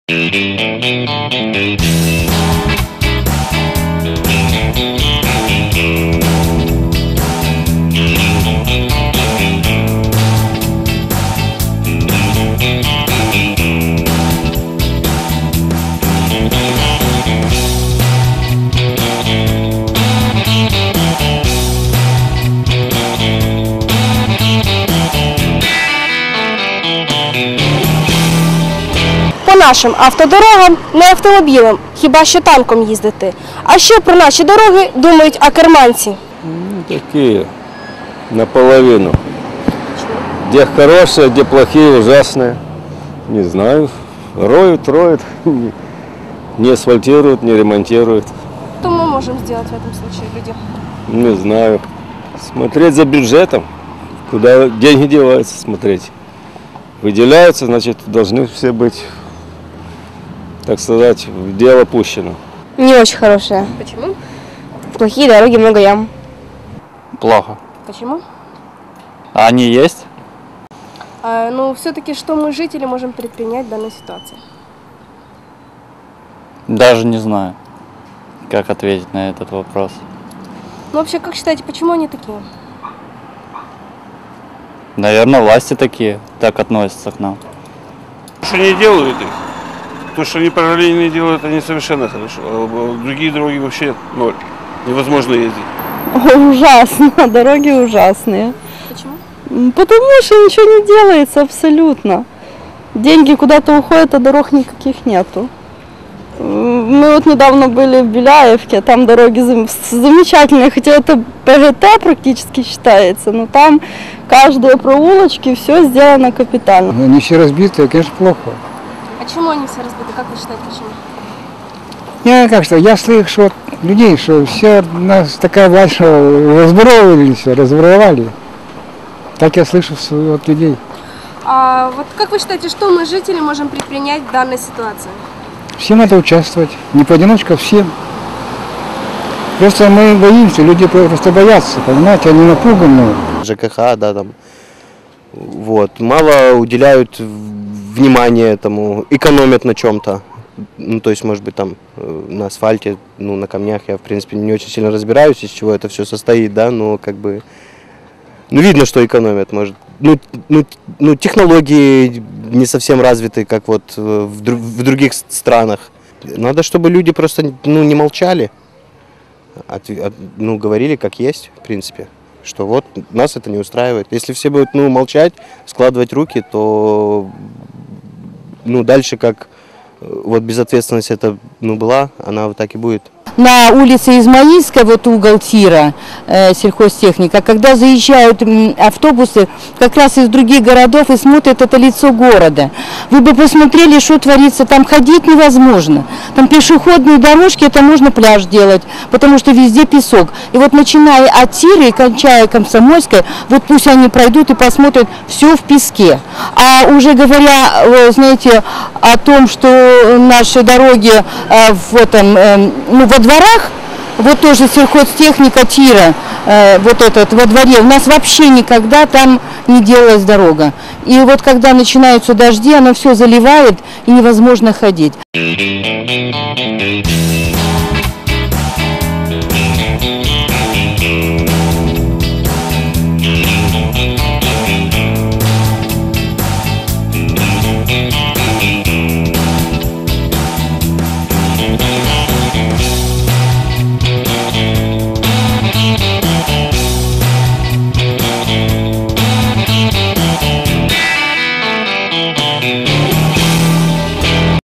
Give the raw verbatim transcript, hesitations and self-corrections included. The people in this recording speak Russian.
По нашим автодорогам не автомобілем, хіба що танком їздити. А що про наші дороги думають акерманці? Ну, такие, наполовину. Где хорошие, где плохие, ужасные. Не знаю. Роют, роют, не асфальтируют, не ремонтируют. Что мы можем сделать в этом случае, люди? Не знаю. Смотреть за бюджетом, куда деньги деваются, смотреть. Выделяются, значит, должны все быть, так сказать, в дело пущено. Не очень хорошие. Почему? Плохие дороги, много ям. Плохо. Почему? А они есть? А, ну, все-таки, что мы, жители, можем предпринять в данной ситуации? Даже не знаю, как ответить на этот вопрос. Ну, вообще, как считаете, почему они такие? Наверное, власти такие, так относятся к нам. Что не делают их, то, что они параллельно делают, они совершенно хорошо. А другие дороги вообще ноль. Невозможно ездить. Ужасно, дороги ужасные. Почему? Потому что ничего не делается абсолютно. Деньги куда-то уходят, а дорог никаких нету. Мы вот недавно были в Беляевке, там дороги замечательные, хотя это ПГТ практически считается, но там каждые проулочки, все сделано капитально. Но они все разбитые, конечно, плохо. А почему они все разбиты? Как вы считаете, почему? Я как что, я слышу что людей, что все нас такая власть, что разборовали все, разворовали. Так я слышу от людей. А вот как вы считаете, что мы, жители, можем предпринять в данной ситуации? Всем надо участвовать, не поодиночку, а всем. Просто мы боимся, люди просто боятся, понимаете, они напуганы. ЖКХ, да, там, вот, мало уделяют внимания этому, экономят на чем-то. Ну, то есть, может быть, там, на асфальте, ну, на камнях я, в принципе, не очень сильно разбираюсь, из чего это все состоит, да, но, как бы, ну, видно, что экономят, может. Ну, ну, ну, технологии не совсем развиты, как вот в, дру в других странах. Надо, чтобы люди просто, ну, не молчали, от, от, ну, говорили как есть, в принципе, что вот нас это не устраивает. Если все будут, ну, молчать, складывать руки, то, ну, дальше как вот безответственность это, ну, была, она вот так и будет. На улице Измаильской, вот угол тира, э, сельхозтехника, когда заезжают автобусы как раз из других городов и смотрят это лицо города. Вы бы посмотрели, что творится, там ходить невозможно. Там пешеходные дорожки, это можно пляж делать, потому что везде песок. И вот начиная от тира и кончая Комсомольской, вот пусть они пройдут и посмотрят, все в песке. А уже говоря, знаете, о том, что наши дороги э, в этом, э, ну, во дворах, вот тоже сельхозтехника тира, э, вот этот во дворе, у нас вообще никогда там не делалась дорога. И вот когда начинаются дожди, оно все заливает и невозможно ходить.